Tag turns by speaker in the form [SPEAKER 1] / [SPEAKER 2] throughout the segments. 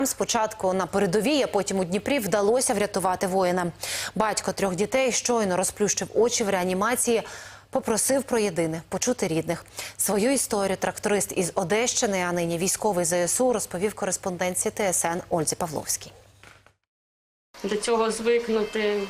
[SPEAKER 1] Спочатку на передовій, а потім у Дніпрі вдалося врятувати воїна. Батько 3 дітей щойно розплющив очі в реанімації, попросив про єдине – почути рідних. Свою історію тракторист із Одещини, а нині військовий ЗСУ, розповів кореспондентці ТСН Ользі Павловській.
[SPEAKER 2] До цього звикнути,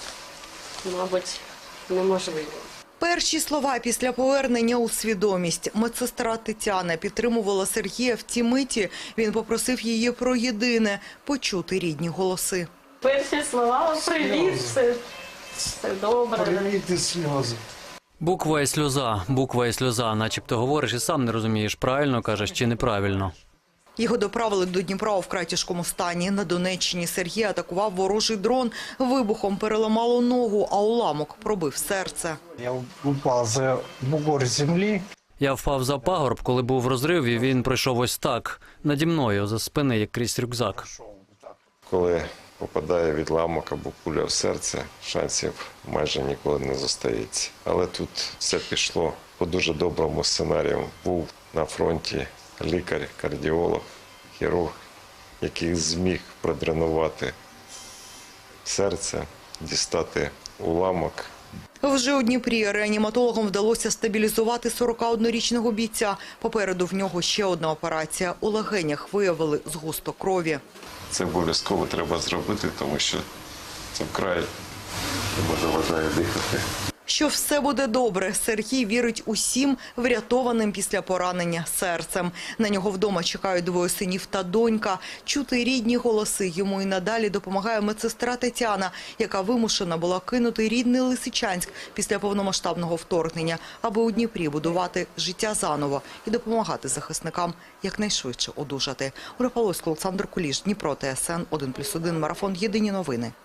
[SPEAKER 2] мабуть, неможливо.
[SPEAKER 3] Перші слова після повернення у свідомість. Медсестра Тетяна підтримувала Сергія в ті миті. Він попросив її про єдине – почути рідні голоси.
[SPEAKER 2] Перші слова – привіт, все добре.
[SPEAKER 4] Привіт і сльози.
[SPEAKER 5] Буква і сльоза, начебто говориш і сам не розумієш, правильно кажеш чи неправильно.
[SPEAKER 3] Його доправили до Дніпра у вкрай тяжкому стані. На Донеччині Сергія атакував ворожий дрон. Вибухом переламало ногу, а уламок пробив серце.
[SPEAKER 4] Я упав за бугор землі.
[SPEAKER 5] Я впав за пагорб, коли був розрив, і він пройшов ось так, наді мною, за спини, як крізь рюкзак.
[SPEAKER 6] Коли попадає відламок або куля в серце, шансів майже ніколи не зостається. Але тут все пішло по дуже доброму сценарію. Був на фронті лікар, кардіолог, хірург, який зміг продренувати серце, дістати уламок.
[SPEAKER 3] Вже у Дніпрі реаніматологам вдалося стабілізувати 41-річного бійця. Попереду в нього ще одна операція. У легенях виявили згусток крові.
[SPEAKER 6] Це обов'язково треба зробити, тому що це вкрай йому заважає дихати.
[SPEAKER 3] Що все буде добре, Сергій вірить усім врятованим після поранення серцем. На нього вдома чекають 2 синів та донька. Чути рідні голоси йому і надалі допомагає медсестра Тетяна, яка вимушена була кинути рідний Лисичанськ після повномасштабного вторгнення, аби у Дніпрі будувати життя заново і допомагати захисникам якнайшвидше одужати. Ольга Павловська, Олександр Куліш, Дніпро, ТСН 1+1, марафон «Єдині новини».